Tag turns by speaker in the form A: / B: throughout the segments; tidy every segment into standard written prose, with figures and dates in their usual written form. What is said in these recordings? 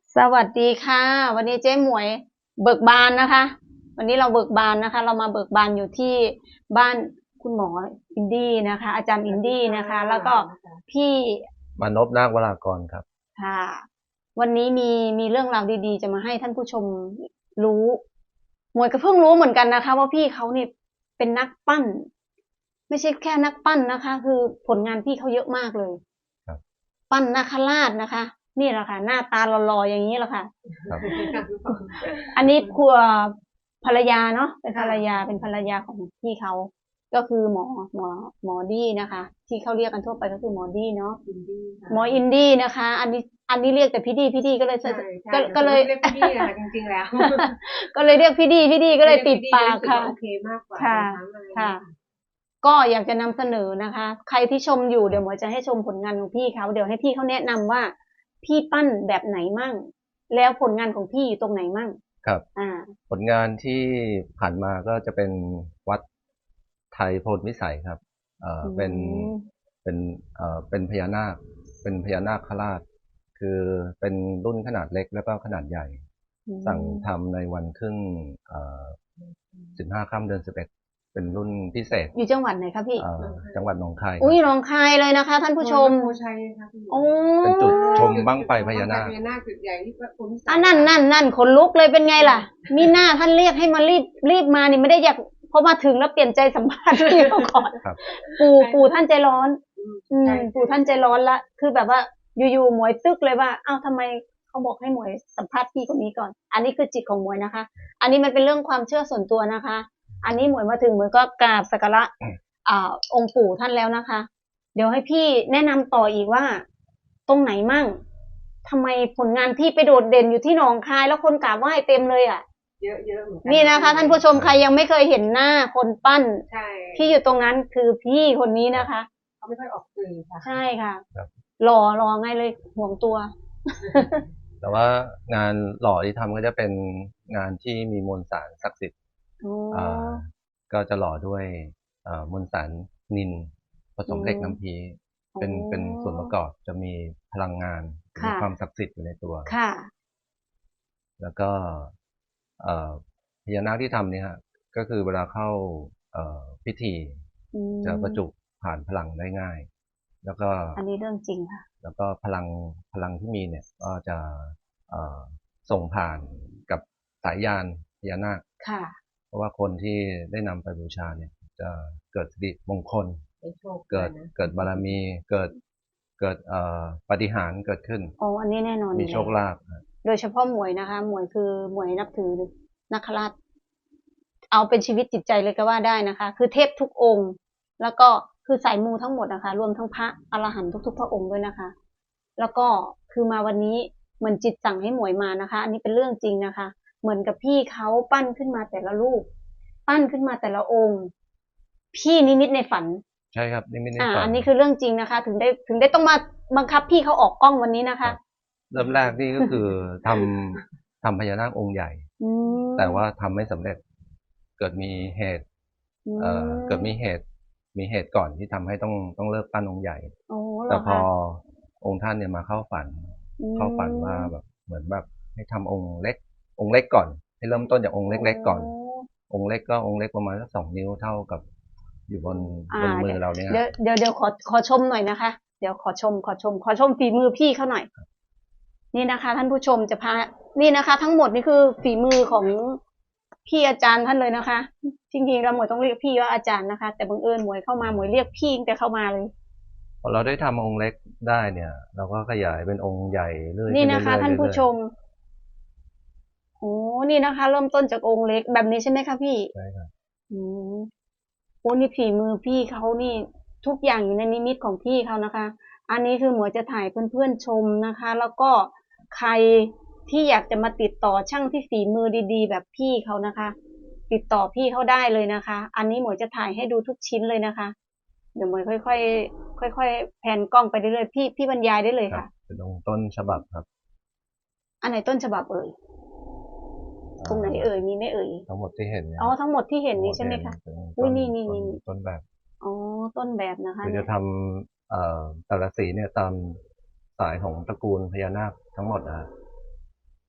A: สวัสดีค่ะวันนี้เจ๊หมวยเบิกบานนะคะวันนี้เราเบิกบานนะคะเรามาเบิกบานอยู่ที่บ้านคุณหมออินดี้นะคะอาจารย์อินดี้นะคะแล้วก็พี่
B: มานพนาควรากรครับ
A: ค่ะวันนี้มีเรื่องราวดีๆจะมาให้ท่านผู้ชมรู้หมวยก็เพิ่งรู้เหมือนกันนะคะว่าพี่เขานี่เป็นนักปั้นไม่ใช่แค่นักปั้นนะคะคือผลงานพี่เขาเยอะมากเลย
B: ครับ
A: ปั้นนาคราชนะคะนี่แหละค่ะหน้าตาหล่อๆอย่างนี้แหละค่ะ
B: ครับ
A: อันนี้ครัวภรรยาเนาะเป็นภรรยาของพี่เขาก็คือหมอดี้นะคะที่เขาเรียกกันทั่วไปก็คือหมอดี้เนาะหมออินดี้นะคะอันนี้เรียกแต่พี่ดีก็เลยก็เลย
C: เรียกพี่ดีนะคะจริงๆแล้ว
A: ก็เลยเรียกพี่ดีก็เลยติดปากค่ะ
C: โอเคมากกว่า
A: ค่ะค่ะก็อยากจะนำเสนอนะคะใครที่ชมอยู่เดี๋ยวหมอจะให้ชมผลงานของพี่เขาเดี๋ยวให้พี่เขาแนะนำว่าพี่ปั้นแบบไหนมั่งแล้วผลงานของพี่อยู่ตรงไหนมั่ง
B: ครับ
A: อ่า
B: ผลงานที่ผ่านมาก็จะเป็นวัดไทยโพธิวิสัยครับ
A: อื
B: เป็น
A: ม
B: เป็นพญานาคเป็นพญานาคราชคือเป็นรุ่นขนาดเล็กแล้วก็ขนาดใหญ่
A: อื
B: สั่ง
A: ม
B: ทำในวันขึ้นเอ่อ15 ค่ำเดือน 11เป็นรุ่นพิเศษ
A: อยู่จังหวัดไหนคะพี่
B: จังหวัดหนองคายค
A: อุ้
B: รับ
A: ยหนองคายเลยนะคะท่านผู้ชม
C: โพชัยค่ะพี่
A: โอ้
B: เป็นจุดชมบั้งไฟพญานาค
C: พญานาคจุดใหญ่ที่พระคุณ
A: อ่ะนั่นขนลุกเลยเป็นไงล่ะมีหน้าท่านเรียกให้มารีบมานี่ไม่ได้อยากพอมาถึงแล้วเปลี่ยนใจสัมภาษณ์พี่เขาก่อน
B: ครับ
A: ปู่ท่านใจร้อน
C: ใช่
A: ปู่ท่านใจร้อนละคือแบบว่าอยู่ๆหมวยตึกเลยว่าอ้าวทำไมเขาบอกให้หมวยสัมภาษณ์พี่คนนี้ก่อนอันนี้คือจิตของหมวยนะคะอันนี้มันเป็นเรื่องความเชื่อส่วนตัวนะคะอันนี้หมวยมาถึงหมวยก็กราบสักการะองค์ปู่ท่านแล้วนะคะเดี๋ยวให้พี่แนะนำต่ออีกว่าตรงไหนมั่งทำไมผลงานพี่ไปโดดเด่นอยู่ที่หนองคายแล้วคนกราบไหว้เต็มเลยอ่ะ
C: เยอะเหมือนกัน
A: นี่นะคะท่านผู้ชมใครยังไม่เคยเห็นหน้าคนปั้น
C: ใช่
A: ที่อยู่ตรงนั้นคือพี่คนนี้นะคะ
C: เขาไม่ค่อยออกสื่อค่ะ
A: ใช่ค่ะ
B: ครับ
A: หล่อไงเลยห่วงตัว
B: แต่ว่างานหล่อที่ทำก็จะเป็นงานที่มีมวลสารศักดิ์สิทธิ์
A: โอ้
B: อ่าก็จะหล่อด้วยมวลสารนิลผส
A: อื
B: มเหล็กน้ำ
A: ม
B: พี
A: โอ้
B: เป็นส่วนประกอบจะมีพลังงานมี
A: ค่ะ
B: ความศักดิ์สิทธิ์อยู่ในตัว
A: ค่ะ
B: แล้วก็เอ่อพญานาคที่ทำเนี่ยฮะก็คือเวลาเข้าพิธี
A: อื
B: จะบรรจุ
A: ม
B: ผ่านพลังได้ง่ายแล้วก็
A: อันนี้เรื่องจริงค่ะ
B: แล้วก็พลังที่มีเนี่ยก็จะเอ่อส่งผ่านกับสายยานพญานาค
A: ค่ะ
B: เพราะว่าคนที่ได้นำไปบูชาเนี่ยจะเกิดสิริมงคล
C: เป็นโชค
B: เกิด
C: นะ
B: เกิดบารมีเกิดปาฏิหาริย์เกิดขึ้น
A: อ๋ออันนี้แน่นอนอ
B: มี
A: ยู่แล้ว
B: โชคลาภครับ
A: โดยเฉพาะหมวยนะคะหมวยคือหมวยนับถือนักขราชเอาเป็นชีวิตจิตใจเลยก็ว่าได้นะคะคือเทพทุกองค์แล้วก็คือสายมูทั้งหมดนะคะรวมทั้งพระอรหันต์ทุกๆพระองค์ด้วยนะคะแล้วก็คือมาวันนี้เหมือนจิตสั่งให้หมวยมานะคะอันนี้เป็นเรื่องจริงนะคะเหมือนกับพี่เขาปั้นขึ้นมาแต่ละรูปปั้นขึ้นมาแต่ละองค์พี่นิมิตในฝัน
B: ใช่ครับนี่ไม่ได้ฝัน
A: อันนี้คือเรื่องจริงนะคะถึงได้ต้องมาบังคับพี่เขาออกกล้องวันนี้นะคะ
B: ครับเริ่มแรกนี่ก็คือทำพญานาคองค์ใหญ่
A: อื
B: แต่ว่า
A: ม
B: ทำไม่สำเร็จเกิดมีเหตุ
A: อื
B: เกิด
A: ม
B: มีเหตุก่อนที่ทำให้ต้องเลิกปั้นองค์ใหญ่
A: โอ้เหร
B: แต่พอ
A: อคะ
B: องค์ท่านเนี่ยมาเข้าฝัน
A: อื
B: เข้าฝันว่า
A: ม
B: แบบเหมือนแบบให้ทำองค์เล็กก่อนให้เริ่มต้นจากองค์
A: โอ้
B: เล็กๆก่อนองค์เล็กก็องค์เล็กประมาณสัก2 นิ้วเท่ากับอยู่บนมื
A: เดี๋ยว
B: อเราเนี่ย
A: เดี๋ยวเดี๋ยวเดี๋ยวขอชมหน่อยนะคะเดี๋ยวขอชมฝีมือพี่เขาหน่อยนี่นะคะท่านผู้ชมจะพานี่นะคะทั้งหมดนี่คือฝีมือของพี่อาจารย์ท่านเลยนะคะจริงๆเราหมวยต้องเรียกพี่ว่าอาจารย์นะคะแต่บังเอิญหมวยเข้ามาหมวยเรียกพี่ตั้งแต่เข้ามาเลย
B: พอเราได้ทำองค์เล็กได้เนี่ยเราก็ขยายเป็นองค์ใหญ่เรื่อย
A: นี่
B: ขึ้น
A: นะคะ
B: เรื่อยๆ
A: ท่านผู้
B: เรื่อย
A: ชม โอ้นี่นะคะเริ่มต้นจากองค์เล็กแบบนี้ใช่ไหมคะพี่
B: ๆใช่ครับ
A: อืมโอ้นี่ฝีมือพี่เขานี่ทุกอย่างอยู่ในนิมิตของพี่เขานะคะอันนี้คือหมวยจะถ่ายเพื่อนๆชมนะคะแล้วก็ใครที่อยากจะมาติดต่อช่างที่ฝีมือดีๆแบบพี่เขานะคะติดต่อพี่เขาได้เลยนะคะอันนี้หมวยจะถ่ายให้ดูทุกชิ้นเลยนะคะเดี๋ยวหมวยค่อยๆค่อยๆแผนกล้องไปเรื่อยๆพี่บรรยายได้เลย
B: ครับ
A: ค่ะ
B: เป็นองค์ต้นฉบับครับ
A: อันไหนต้นฉบับเอ่ยตรงไหนเอ่ยมีไหมเอ่ย
B: ทั้งหมดที่เห็นเนี่ย
A: อ๋อทั้งหมดที่เห็น
B: ทั้งหม
A: นี้ใช่ไหมคะ
B: ดที่เห็นเป็น
A: อุ้ยนี่
B: ต้นแบบ
A: อ๋อต้นแบบนะคะ
B: คือจะ
A: เนี่ย
B: ทำแต่ละสีเนี่ยตามสายของตระกูลพญานาคทั้งหมดนะฮะ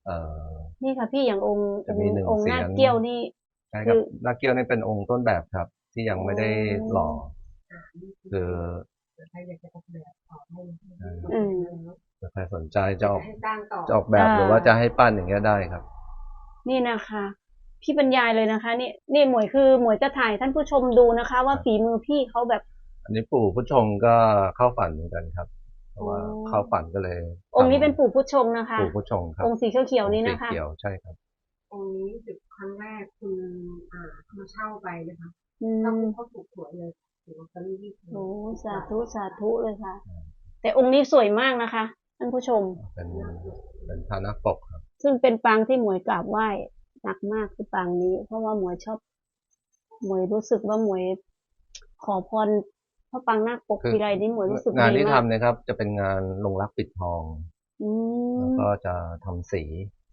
B: เอ่อ
A: นี่ค่ะพี่อย่างองค์
B: จะมีหนึ่ง
A: องค์
B: เสี
A: นาย ค
B: น
A: เกี้ยวนี่
B: ใช่ค
A: คื
B: รับ
A: อ
B: นาคเกี้ยวนี่เป็นองค์ต้นแบบครับ ที่ยังไม่ได้หล่อ คือ
C: ใครอยากจะออกแบบออกให้
A: อืม
B: ถ้าใครสนใจจะออก
C: ให้สร้างต่อ
B: จะออกแบบหรือว่าจะให้ปั้นอย่างเงี้ยได้ครับ
A: นี่นะคะ พี่บรรยายเลยนะคะ นี่หมวยคือหมวยจะถ่ายท่านผู้ชมดูนะคะ ว่าฝีมือพี่เขาแบบ
B: อันนี้ปู่ผู้ชงก็เข้าฝันเหมือนกันครับ เพราะว่าเข้าฝันก็เลย
A: องค์นี้เป็นปู่พุทธชงนะคะ
B: ปู่ผู้ชงครับ
A: องค์สีเขียวๆนี้
B: สี
A: นะคะ
B: เขียวใช่ครับ
C: องค์นี้จุดครั้งแรกคุณมาเช่าไปนะคะ
A: อื
C: เช่าม ปุ๊บเขาถูกหวยเลยถูกลอตเตอรี่
A: โอ้สาธุสาธุเลยค่ะ แต่องค์นี้สวยมากนะคะท่านผู้ชม
B: เป็นพระนักปกครับ
A: ซึ่งเป็นปางที่หมวยกราบไหว้หนักมากคือปางนี้ เพราะว่าหมวยชอบ หมวยรู้สึกว่าหมวยขอพรพระปางนาคปก
B: คือ
A: ทีไรนี่หมวยรู้สึก
B: งาน
A: ดี
B: ที่
A: มา
B: ทำ
A: ก
B: เนี่ยครับ จะเป็นงานลงรักปิดทอง
A: อื
B: แล้ว
A: ม
B: ก็จะทำสี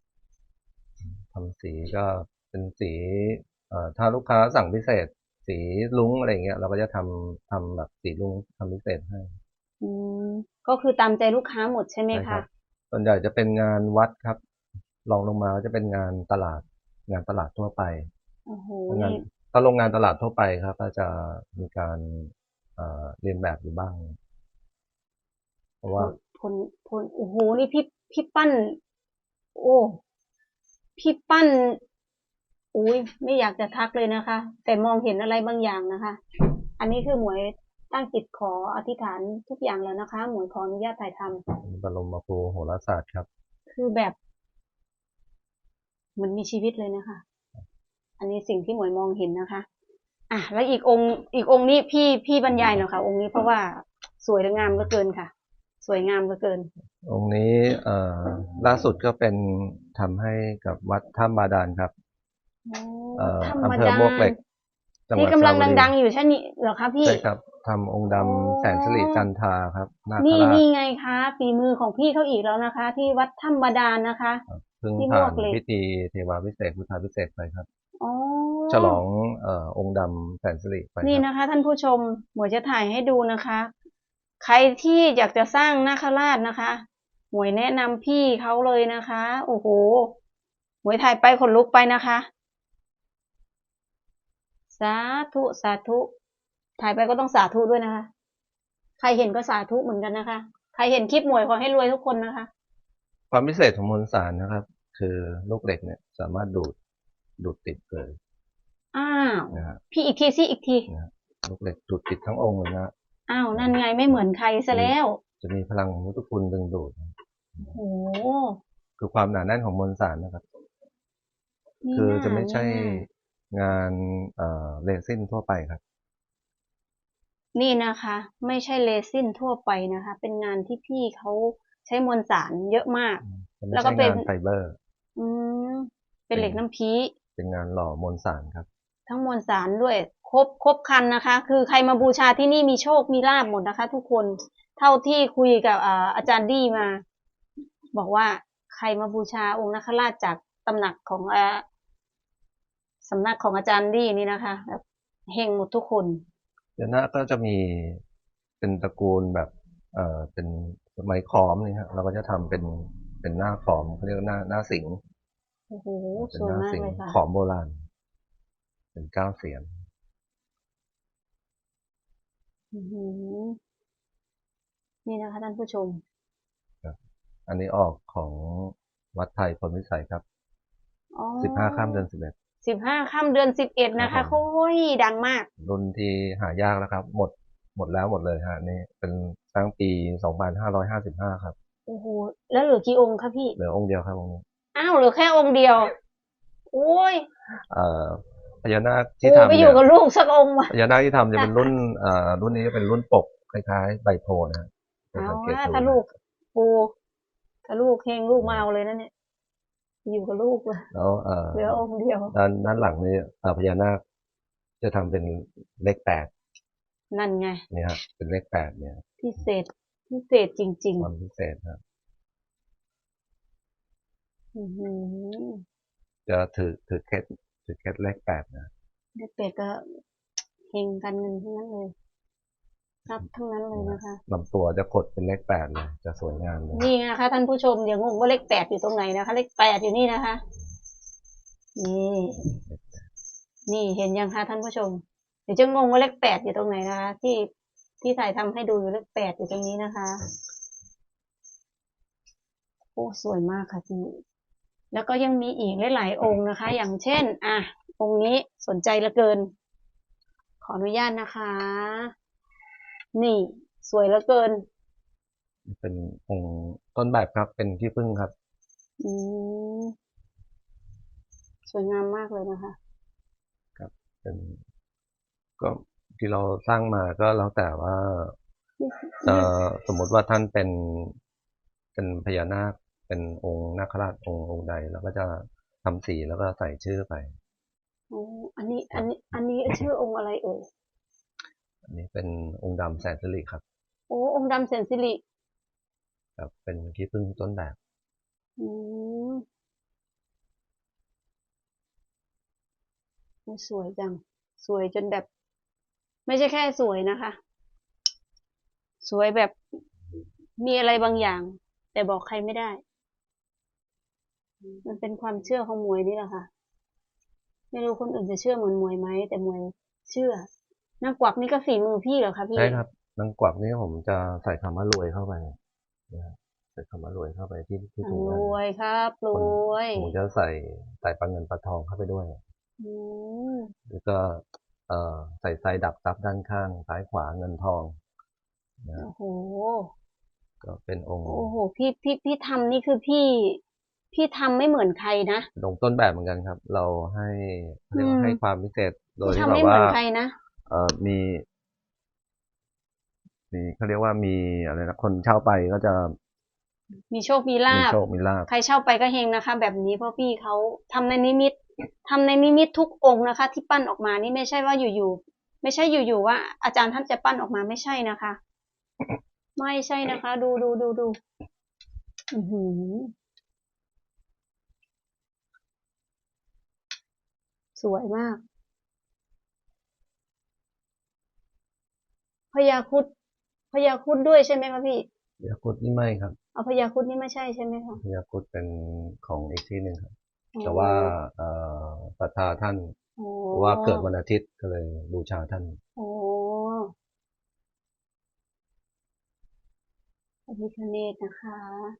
B: ก็เป็นสี ถ้าลูกค้าสั่งพิเศษ สีลุ้งอะไรอย่างเงี้ย เราก็จะทำแบบสีลุ้งทำพิเศษให้
A: อืม ก็คือตามใจลูกค้าหมดใช่ไหม
B: ใช่ครั
A: คะ
B: บ ส่วนใหญ่จะเป็นงานวัดครับ รองลงมาก็จะเป็นงานตลาด งานตลาดทั่วไป
A: โอ้โห
B: งาน
A: นี่
B: ถ้าโรงงานตลาดทั่วไปครับ ก็จะมีการเรียนแบบอยู่บ้าง เพราะว่า
A: โอ้โห นี่พี่ปั้น โอ้ พี่ปั้น อุ้ยไม่อยากจะทักเลยนะคะ แต่มองเห็นอะไรบางอย่างนะคะ อันนี้คือหมวยตั้งจิตขออธิษฐานทุกอย่างแล้วนะคะ หมวยขออนุญาตถ่ายทำ
B: บรมครูโหราศาสตร์ครับ
A: คือแบบเหมันมีชีวิตเลยนะคะ อันนี้สิ่งที่หมวยมองเห็นนะคะ อ่ะแล้วอีกองค์นี้พี่บรรยายหน่อยค่ะ องค์นี้เพราะว่าสวยและงามเหลือเกินค่ะ สวยงามเหลือเกิน
B: องค์นี้ล่าสุดก็เป็นทำให้กับวัดถ้ำบาดาลครับ
A: ธรรม
B: อำเภอ
A: ดาม
B: วกเหล็ก จังห
A: ที่
B: วัด
A: กำ
B: ส
A: ลั
B: ระ
A: ง
B: บุรี
A: ดังๆอยู่ใช่นี่เหรอคะพี่
B: ใช่ครับทำองค์ดำแสนสิริจันทราครับนาค
A: นี่
B: ราช
A: ไงคะฝีมือของพี่เขาอีกแล้วนะคะ ที่วัดถ้ำบาดาลนะคะ
B: เพิ่ง
A: ที่
B: ผ่าน
A: วกเหล็ก
B: พิธีเทวาพิเศษกพุทธาพิเศษกไปครับ
A: อ๋อ
B: ฉลององค์ดำแสนสิริไป
A: นี่
B: ครับ
A: นะคะ ท่านผู้ชมหมวยจะถ่ายให้ดูนะคะ ใครที่อยากจะสร้างนาคราชนะคะ หมวยแนะนำพี่เขาเลยนะคะ โอ้โห หมวยถ่ายไปขนลุกไปนะคะ สาธุสาธุ ถ่ายไปก็ต้องสาธุด้วยนะคะ ใครเห็นก็สาธุเหมือนกันนะคะ ใครเห็นคลิปหมวยขอให้รวยทุกคนนะคะ
B: ความพิเศษของมวลสารนะครับ คือลูกเหล็กเนี่ยสามารถดูดติดเลย
A: อ้าว
B: นะฮะ
A: พี่อีกทีสิอีกที
B: ลูกเหล็กดูดติดทั้งองค์เลยนะ
A: อ้าวนั่นไงไม่เหมือนใครซะแล้ว
B: จะมีพลังของพุทธคุณดึงดูด
A: โอ้
B: คือความหนาแน่นของมวลสารนะครับ
A: นี่
B: คือ
A: น่า
B: จะไม่ใช่
A: น่าง
B: านเรซินทั่วไปครับ
A: นี่นะคะ ไม่ใช่เรซินทั่วไปนะคะ เป็นงานที่พี่เขาใช้มวลสารเยอะมาก
B: จะไม่
A: แล้วก็
B: ใช่
A: เป็น
B: งานไฟเบอร์
A: อืมเป็นเหล็กน้ำพี
B: เป็นงานหล่อมวลสารครับ
A: ทั้งมวลสารด้วย ครบครันนะคะ คือใครมาบูชาที่นี่มีโชคมีลาภหมดนะคะ ทุกคนเท่าที่คุยกับอาจารย์ดี้มา บอกว่าใครมาบูชาองค์นาคราชจากตำหนักของสำนักของอาจารย์ดี้นี่นะคะแบบเฮงหมดทุกคน
B: เดี๋ยวหน้าก็จะมีเป็นตระกูลแบบเป็นไม้ขอมนี่ฮะเราก็จะทำเป็นหน้าขอมเขาเรียกว่าหน้าสิงห์
A: โอ้โห
B: เป็น
A: สวย
B: หน้าม
A: าก
B: สิง
A: เลย
B: ห์
A: ค่ะ
B: ขอมโบราณ เป็นเก้าเสียน
A: อื้อหือนี่นะคะท่านผู้ชม
B: อันนี้ออกของวัดไทยพลวิสัยครับ
A: อ๋อ
B: 15 ค่ำเดือน
A: 15 ค่ำเดือน 11 นะคะ
B: ครับผม
A: โอ้ยดังมาก
B: 11 รุ่นที่หายากแล้วครับ หมดแล้วหมดเลยฮะนี่เป็นสร้างปี 2555 ครับ
A: โอ้โห แล้วเหลือกี่องค์คะพี่
B: เหลือองค์เดียวครับองค์นี้
A: อ้าวเหลือแค่องค์เดียว โอ้ย
B: พญานาคที่
A: กู
B: ทำ
A: ไปอ
B: เนี่
A: ยู่
B: ย
A: กับลูกสักองค์วะ
B: พญานาคที่ทำจะเป็นรุ่นนี้จะเป็นรุ่นปกคล้ายๆใบโพนะฮะ
A: เอา
B: สังเกต
A: ว่า
B: ดู
A: ถ้าลูกปูถ้าลูกเฮงลูกมาเอาเลยนะเนี่ย อยู่กับลูกเลย
B: แล้ว
A: เหลือองค์เดียว
B: ด้านหลังนี่พญานาคจะทำเป็นเลข 8
A: นั่นไง
B: เนี่ยฮะเป็นเลข 8 เนี่ย
A: พิเศษจริง
B: ความพิเศษครับ
A: ๆ อือหือ
B: จะถือเคล็ดเลข 8 นะ
A: เด็กเป็ดก็เฮงกันเงินทั้งนั้นเลยรับทั้งนั้นเลยนะคะ
B: ลำตัวจะขดเป็นเลข 8เลยจะสวยงามเลย
A: นี่นะคะท่านผู้ชมอย่างงงว่าเลข 8อยู่ตรงไหนนะคะ เลข 8อยู่นี่นะคะ นี่เห็นยังคะท่านผู้ชมเดี๋ยวจะงงว่าเลข 8อยู่ตรงไหนนะคะ ที่ถ่ายทำให้ดูอยู่เลข 8อยู่ตรงนี้นะคะโอ้สวยมากค่ะพี่แล้วก็ยังมีอีกหลายๆองค์นะคะ อย่างเช่นองค์นี้สนใจเหลือเกิน ขออนุญาตนะคะ นี่สวยเหลือเกิน
B: เป็นองค์ต้นแบบครับเป็นขี้ผึ้งครับ
A: อืมสวยงามมากเลยนะคะ
B: เป็นก็ที่เราสร้างมาก็แล้วแต่ว่าสมมติว่าท่านเป็นพญานาคเป็นองค์นาคราชองค์ใดเราก็จะทำสีแล้วก็ใส่ชื่อไป
A: อันนี้ชื่อองค์อะไรเอ่ย
B: อันนี้เป็นองค์ดำแสนสิริครับ
A: โอ้องค์ดำแสนสิริ
B: ครับเป็นขี้ผึ้งต้นแบบ
A: อืมสวยจัง สวยจนแบบ ไม่ใช่แค่สวยนะคะ สวยแบบมีอะไรบางอย่าง แต่บอกใครไม่ได้ มันเป็นความเชื่อของหมวยนี่แหละค่ะ ไม่รู้คนอื่นจะเชื่อเหมือนหมวยไหมแต่หมวยเชื่อนางกวักนี่ก็ฝีมือพี่เหรอคะพี่
B: ใช่ครับนางกวักนี่ผมจะใส่คำว่ารวยเข้าไปนะครับใส่คำว่ารวยเข้าไปที่ถุง
A: ร
B: เงิน
A: วยครับรวย
B: ผมจะใส่ปลาเงินปลาทองเข้าไปด้วย
A: อืม
B: แล้วก็ใส่ไซดักซับด้านข้างซ้ายขวาเงินทองนะ
A: โอ้โห
B: ก็เป็นองค์
A: โอ้โหพี่ทำนี่คือพี่ทำไม่เหมือนใครนะ
B: องค์ต้นแบบเหมือนกันครับ เราให้เรียกว่าให้ความพิเศษโดย
A: พี่
B: ที่
A: ทำ
B: แบบ
A: ไม่เหมื
B: ว่า
A: อนใครนะ
B: มีเขาเรียกว่ามีอะไรนะคนเช่าไปก็จะ
A: มีโชคมีลา
B: มี
A: ภ
B: โชคมีลาภ
A: ใครเช่าไปก็เฮงนะคะ แบบนี้เพราะพี่เขาทำในนิมิตทุกองค์นะคะ ที่ปั้นออกมานี่ไม่ใช่ว่าอยู่ๆไม่ใช่อยู่ๆว่า อาจารย์ท่านจะปั้นออกมาไม่ใช่นะคะ ไม่ใช่นะคะ ดูอื้อหือสวยมากพญาครุฑด้วยใช่ไหมคะพี่
B: พญาครุฑนี่ไม่ครับ
A: เอาพญาครุฑนี่ไม่ใช่ใช่ไหมคะ
B: พญาครุฑเป็นของอีกที่หนึ่งครับ
A: อ๋อ
B: แต่ว่าศรัทธาท่าน
A: อ๋อ
B: เพราะว่าเกิดวันอาทิตย์ก็เลยบูชาท่าน
A: โอ้พระพิฆเนศนะคะ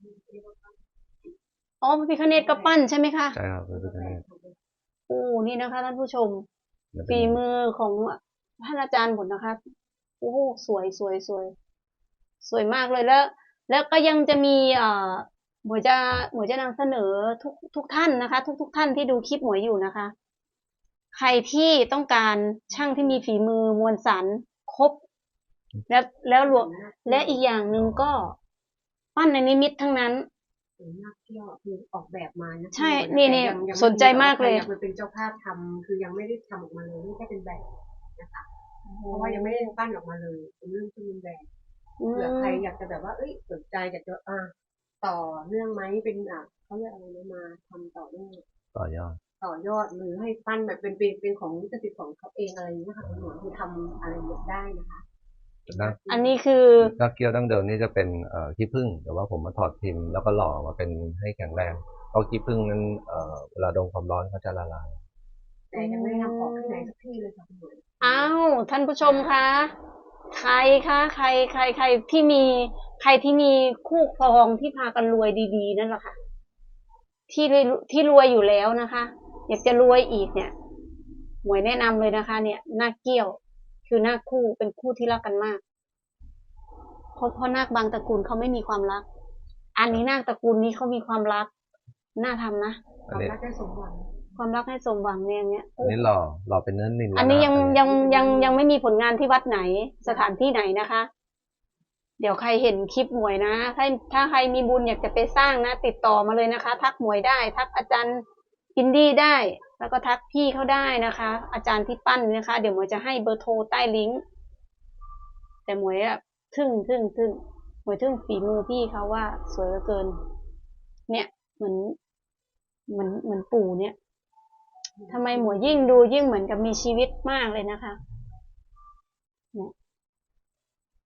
A: อ๋อพระพิฆเนศก็ปั้นใช่ไหมคะ
B: ใช่ครับพระพิฆเนศ
A: โอ้นี่นะคะท่านผู้ชม
B: และเป็น
A: ฝีมือของท่านอาจารย์หมดนะคะ โอ้สวยสวยมากเลยแล้วก็ยังจะมีหมวยจะนำเสนอทุกท่านนะคะ ทุกท่านที่ดูคลิปหมวยอยู่นะคะ ใครที่ต้องการช่างที่มีฝีมือมวลสารครบ แล้วรวมและอีกอย่างหนึ่งก็ปั้นในนิมิตทั้งนั้น
C: นักเที่ยวคือออกแบบมานะ
A: ใช่
C: แต่
A: นี่
C: ยังไม่
A: สนใจมากเลย
C: อยากเป็นเจ้าภาพทำคือยังไม่ได้ทำออกมาเลยนี่แค่เป็นแบบนะคะเพราะว่ายังไม่ได้ปั้นออกมาเลยเป็นเรื่องที่เป็นแบบเผื่อใครอยากจะแบบว่าสนใจอยากจะต่อเรื่องไหมเป็นเขาเรียกอะไรนะมาทำต่อเรื่อง
B: ต่อยอด
C: หรือให้ปั้นแบบเป็นของลิขสิทธิ์ของเขาเองอะไรอย่างเงี้ยค่ะคุณหมอคือทำอะไรได้นะคะ
A: อันนี้คือ
B: นักเกี้ยวดั้งเดิมนี่จะเป็นขี้ผึ้งแต่ว่าผมมาถอดพิมพ์แล้วก็หล่อมาเป็นให้แข็งแรงเพราะขี้ผึ้งนั้นเวลาโดนความร้อนเขาจะละลาย
C: แต่ยังไม่ได้ทำออกที่ไหนสักที่เลยค่ะคุณหมอ
A: อ้าวท่านผู้ชมคะใครคะใครที่มีคู่ครองที่พากันรวยดีๆนั่นแหละค่ะที่รวยอยู่แล้วนะคะ อยากจะรวยอีกเนี่ยหมวยแนะนำเลยนะคะ เนี่ยนาคเกี้ยวคือนาคคู่เป็นคู่ที่รักกันมากเพราะนาคบางตระกูลเขาไม่มีความรัก อันนี้นาคตระกูลนี้เขามีความรักน่าทำนะ
C: ความรักได้สมหวัง
A: ความรักให้สมหวังเนี่ย
B: อันนี้หล่อเป็นเนื้อนิล
A: อันนี้
B: ะ
A: ยังไม่มีผลงานที่วัดไหนสถานที่ไหนนะคะ เดี๋ยวใครเห็นคลิปหมวยนะถ้าใครมีบุญอยากจะไปสร้างนะติดต่อมาเลยนะคะ ทักหมวยได้ทักอาจารย์อินดี้ได้ แล้วก็ทักพี่เขาได้นะคะ อาจารย์ที่ปั้นนะคะ เดี๋ยวหมวยจะให้เบอร์โทรใต้ลิงก์แต่หมวยอะทึ่งหมวยทึ่งฝีมือพี่เขาว่าสวยเหลือเกิน เนี่ยเหมือนปู่เนี่ยทำไมหมวยยิ่งดูยิ่งเหมือนกับมีชีวิตมากเลยนะคะเนี่ย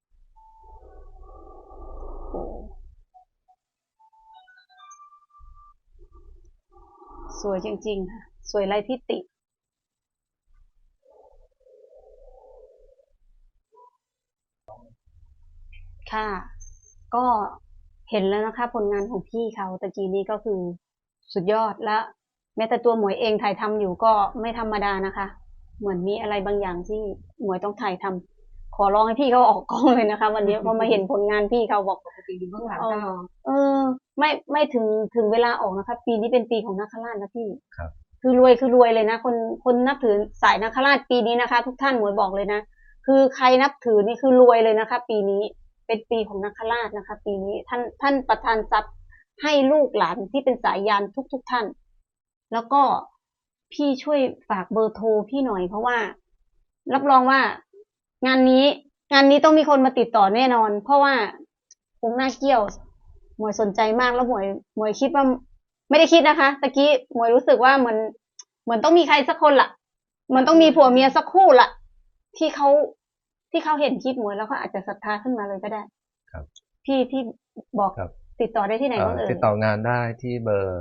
A: สวยจริงๆค่ะสวยไร้ที่ติค่ะ ก็เห็นแล้วนะคะผลงานของพี่เขาตะกี้นี้ก็คือสุดยอดและแม้แต่ตัวหมวยเองถ่ายทำอยู่ก็ไม่ธรรมดานะคะ เหมือนมีอะไรบางอย่างที่หมวยต้องถ่ายทำขอร้องให้พี่เขาออกกล้องเลยนะคะ วันนี้พอมาเห็นผลงานพี่เขาบอก
C: ปกติดูเบื้องหลัง
A: เอ
C: ก็
A: อไม่ถึงเวลาออกนะคะปีนี้เป็นปีของนาคราชนะพี่
B: ครับ
A: คือรวยเลยนะคนนับถือสายนาคราชปีนี้นะคะ ทุกท่านหมวยบอกเลยนะคือใครนับถือนี่คือรวยเลยนะคะ ปีนี้เป็นปีของนาคราชนะคะ ปีนี้ท่านประทานทรัพย์ให้ลูกหลานที่เป็นสายยานทุกท่าน แล้วก็พี่ช่วยฝากเบอร์โทรพี่หน่อยเพราะว่า รับรองว่างานนี้ต้องมีคนมาติดต่อแน่นอน เพราะว่าองค์หน้าเกี้ยวหมวยสนใจมากแล้วหมวยคิดว่าไม่ได้คิดนะคะตะกี้หมวยรู้สึกว่าเหมือนต้องมีใครสักคนล่ะมันต้องมีผัวเมียสักคู่ล่ะ ที่เขาเห็นคลิปหมวยแล้วก็อาจจะศรัทธาขึ้นมาเลยก็ได้
B: ครับ
A: พี่บอก
B: ครับ
A: ติดต่อได้ที่ไหนบ้างเอ่ย
B: ติดต่องานได้ที่เบอร์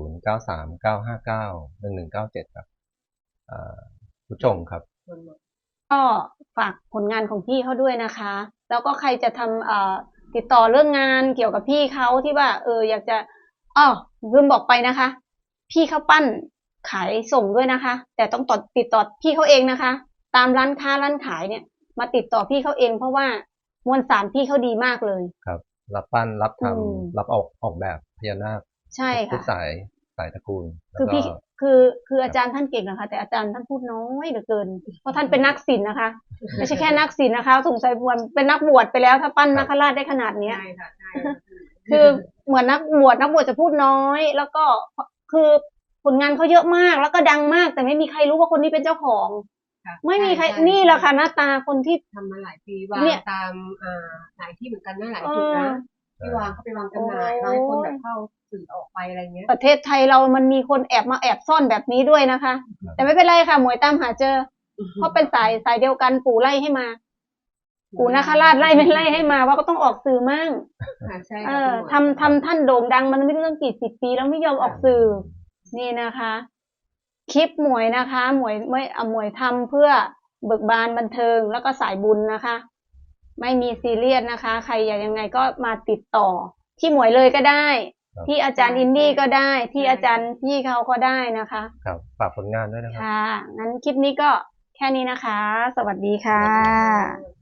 B: 0939591197 ครับผู้ชมครับ
A: ก็ฝากผลงานของพี่เขาด้วยนะคะ แล้วก็ใครจะทำติดต่อเรื่องงานเกี่ยวกับพี่เขาที่ว่าอยากจะลืมบอกไปนะคะ พี่เขาปั้นขายส่งด้วยนะคะ แต่ต้องติดต่อพี่เขาเองนะคะ ตามร้านค้าร้านขายเนี่ย มาติดต่อพี่เขาเองเพราะว่ามวลสารพี่เขาดีมากเลย
B: ครับ รับปั้นรับท
A: อืม
B: ำรับออกแบบพญานาค
A: ใช่
B: ทุก
A: ค่ะ
B: สายตระกูล
A: คือ
B: แล้วก็
A: พี่คืออาจารย์ท่านเก่งนะคะ แต่อาจารย์ท่านพูดน้อยเหลือเกิน เพราะท่านเป็นนักศิลป์นะคะ ไม่ใช่แค่นักศิลป์นะคะสงสัยเป็นนักบวชไปแล้วถ้าปั้นนาคราชได้ขนาดเนี้ย
C: ใช่ค่ะใช่
A: คือเหมือนนักบวชจะพูดน้อย แล้วก็คือผลงานเขาเยอะมากแล้วก็ดังมาก แต่ไม่มีใครรู้ว่าคนนี้เป็นเจ้าของ
C: ค่ะ
A: ไม่มีใคร
C: ช่
A: นี่แหละค่ะหน้าตาคนที่
C: ทำมาหลายปีวาง
A: เนี่ย
C: ตามหลายที่เหมือนกันนะหลายจุดนะที่วางเขาไปวางจำหน่าย
A: โอ้
C: วางให้คนแบบเข้าสื่อออกไปอะไรเงี้ย
A: ประเทศไทยเรามันมีคนแอบซ่อนแบบนี้ด้วยนะคะ แต่ไม่เป็นไรค่ะหมวยตามหาเจอ เพราะเป็นสายเดียวกันปู่ไล่ให้มา ปู่นาคราชไล่ไม่ไล่ให้มาว่าก็ต้องออกสื่อมั่ง
C: ค่ะใช่
A: เอ
C: ค่ะ
A: อ
C: คุณหมอ
A: ทำท่านโด่งดังมันไม่เรื่องกี่สิบปีแล้วไม่ยอมออกสื่อ นี่นะคะ คลิปหมวยนะคะหมวยทำเพื่อเบิกบานบันเทิงแล้วก็สายบุญนะคะ ไม่มีซีเรียสนะคะ ใครอยากยังไงก็มาติดต่อ ที่หมวยเลยก็ได้
B: ครับ
A: ที่อาจารย์อินดี้ก็ได้ ที่อาจารย์พี่เขาก็ได้นะคะ
B: ครับฝากผลงานด้วยนะครับ
A: ค่ะ งั้นคลิปนี้ก็แค่นี้นะคะ สวัสดีค่ะ